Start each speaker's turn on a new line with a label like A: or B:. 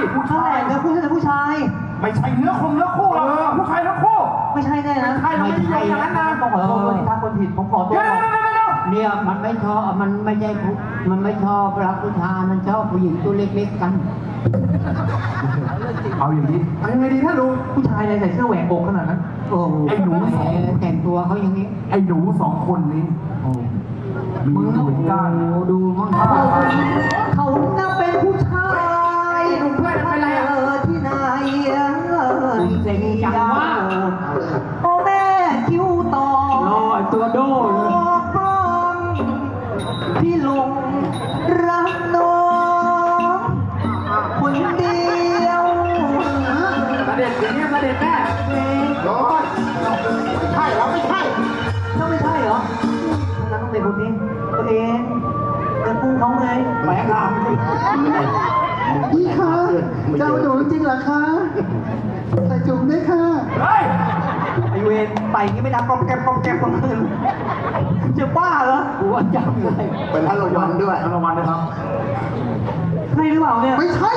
A: ผู้ชายเนื้อคู่แต่ผู้ชาย
B: ไม่ใช่เนื้อคู่หรอกผู้ชายทั้งคู่
A: ไม่ใช่แน่นะ
B: ใช่เราไม่ใช่อย่างนั้นนะ
A: ต้องขอโทษด้วยถ้าคนผิดผมขอตัว
C: เนี่ยมันไม่ชอบมันไม่ใช่มันไม่ชอบรักผู้ชายมันชอบผู้หญิงตัวเล็กๆกัน
B: เอาอย่างนี้เอายังไงดีถ้าลุง
A: ผู้ชายใส่เสื้อแหวกอกขนาดนั้น
C: โอ้ไอ้หนูแต่งตัวเขาอย่างนี้
B: ไอ้หนู2 คนนี้มีหนุ่มก้าน
C: ดูมั่ง
A: เขาน่าเป็นผู้ชาย
B: หนุ่มเพื่อนเป็นไร
A: ที่ไหน
C: เซ็งจังวะ
A: โอ้แม่คิ้วต่อ
C: รอตัวโดน
A: พี่หลงรักน้องคนเดียว
B: ประเด็นอย่างนี้ประเด็นแม่ร้อนใช่เราไม่ใช่
A: ต้องไม่ใช่เหรอนั้นต้องเป็นคนนี้ตัวเองเป็นคู่เขาไง
B: แหมครับ
D: พี่คะเจ้าหนูจริงเหรอคะใส่จุ่มด้วยค่ะ
B: เฮ้ย
A: ไอเวรไปงี้ไม่ดังกรอบแกรบกรอบแกรบของมึงจะบ้าเหรอ
C: หัวจังเลย
B: เป็นท่านรางวัลด้วยท่านรางวัลนะครับ
A: ใช่หรือเปล่าเนี่ย
D: ไม่ใช่